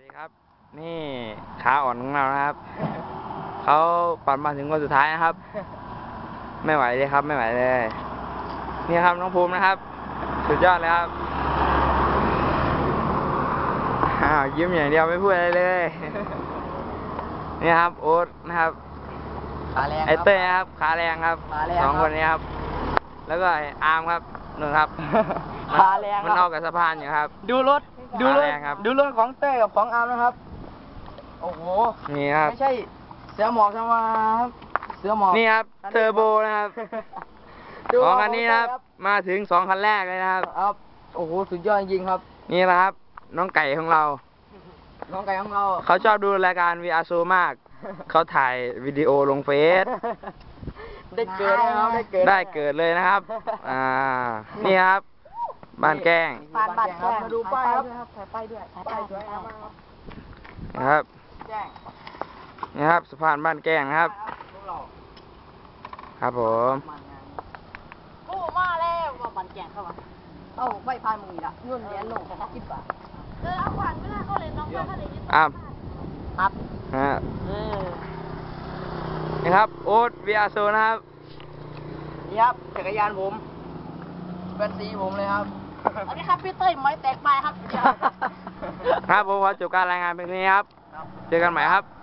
ดีครับนี่ขาอ่อนของเรานะครับเขาปั่นมาถึงคนสุดท้ายนะครับไม่ไหวเลยครับไม่ไหวเลยนี่ครับน้องภูมินะครับสุดยอดเลยครับยิ้มอย่างเดียวไม่พูดอะไรเลยนี่ครับโอ๊ตนะครับไอเต้ครับขาแรงครับสองคนนี้ครับแล้วก็ไออาร์มครับนู่นครับขาแรงมันออกกับสะพานอยู่ครับดูรถของเต้กับของอาร์มนะครับโอ้โหนี่ครับไม่ใช่เสือหมอกธรรมดาครับเสือหมอกนี่ครับเทอร์โบนะครับของคันนี้นะครับมาถึง2 คันแรกเลยนะครับโอ้โหสุดยอดจริงครับนี่แหละครับน้องไก่ของเราเขาชอบดูรายการ VR Show มากเขาถ่ายวิดีโอลงเฟซได้เกิดนะครับได้เกิดเลยนะครับนี่ครับบ้านแกล้งบ้านแกล้งมาดูป้ายครับถ่ายป้ายด้วยป้ายสวยงามมากครับนะครับนี่ครับสะพานบ้านแกล้งนะครับครับผมกู้มาแล้วมาบ้านแกล้งเข้ามาไม่พายมึงอีกละเงินเหรียญลง10 บาทเอาขวัญไม่ได้ก็เลยน้องก็เลยยึดครับนี่ครับโอ๊ต VR Show นะครับนี่ครับจักรยานผมเป็นสีผมเลยครับอันนี้ครับพี่เต้ยไม้แตกไปครับครับผมขอจบการรายงานเพียงนี้ครับเจอกันใหม่ครับ